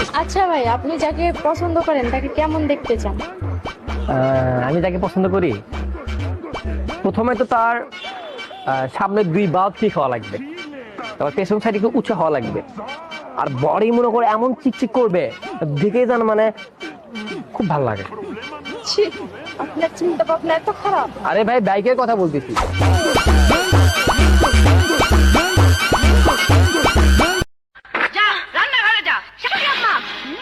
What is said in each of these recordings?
আচ্ছা ভাই, আপনি যাকে পছন্দ করেন তাকে কেমন দেখতে চান? আমি যাকে পছন্দ করি, প্রথমে তো তার সামনে দুই বাল্ব ঠিক হওয়া লাগবে, তারপর পেছন সাইড একটু উঁচু হওয়া লাগবে, আর বডি মনে করে এমন চিকচিক করবে দেখে যেন মানে খুব ভালো লাগে। ছি, আপনার চিন্তা ভাবনা এত খারাপ। আরে ভাই, বাইকের কথা বলতেছি। যা রান্নাঘরে যা। শাশুড়ি আম্মা,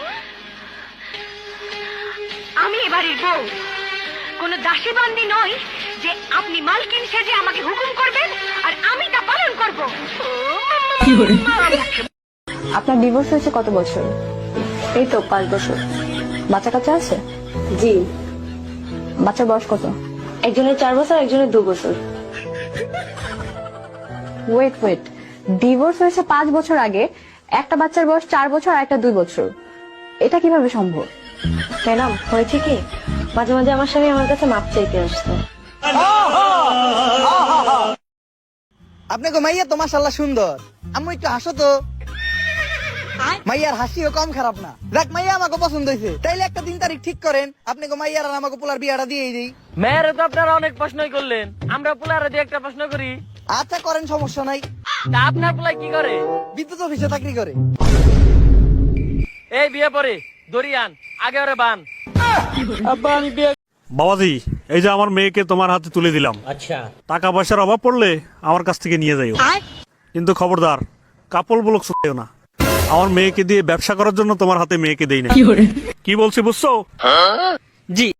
আমি এবারের বউ, কোন দাসী বান্দি নই যে আপনি মালকিন সেজে আমাকে হুকুম করবেন আর আমি তা পালন করব। আপনার ডিভোর্স হয়েছে কত বছর? এই তো 5 বছর। বাচ্চা কাচ্চা আছে? জি, বাচ্চার বয়স কত? একজনের 4 বছর, একজনের 2 বছর। ওয়েট, ডিভোর্স হয়েছে 5 বছর আগে, একটা বাচ্চার বয়স 4 বছর আর একটা 2 বছর, এটা কিভাবে সম্ভব? ম্যাডাম, হয়েছে কি, মাঝে মাঝে আমার স্বামী আমার কাছে মাপ চাইতে আসতো। আপনি গো মাইয়া তো মাশাআল্লাহ সুন্দর। আম্মু একটু হাসো তো। মাইয়ার হাসিও কম খারাপ না। দেখ মাইয়া আমাকে পছন্দ হয়েছে, তাইলে একটা দিন তারিখ ঠিক করেন, আপনি গো মাইয়ার আর আমাকে পোলার বিয়াটা দিয়েই দিই। মেয়েরা তো আপনারা অনেক প্রশ্নই করলেন, আমরা পোলারে দিয়ে একটা প্রশ্ন করি। আচ্ছা করেন, সমস্যা নাই। তা আপনার পোলাই কি করে? বিদ্যুৎ অফিসে চাকরি করে। এই বিয়ে পরে দরিয়ান আগে ওরে বান। আব্বা আমি বিয়ে। বাবাজি, এই যে আমার মেয়েকে তোমার হাতে তুলে দিলাম। আচ্ছা, টাকা পয়সার অভাব পড়লে আমার কাছ থেকে নিয়ে যাইও, কিন্তু খবরদার কাপল ব্লক শুনেও না। আমার মেয়েকে দিয়ে ব্যবসা করার জন্য তোমার হাতে মেয়েকে দেই না। কি বলছি বুঝছো? জি।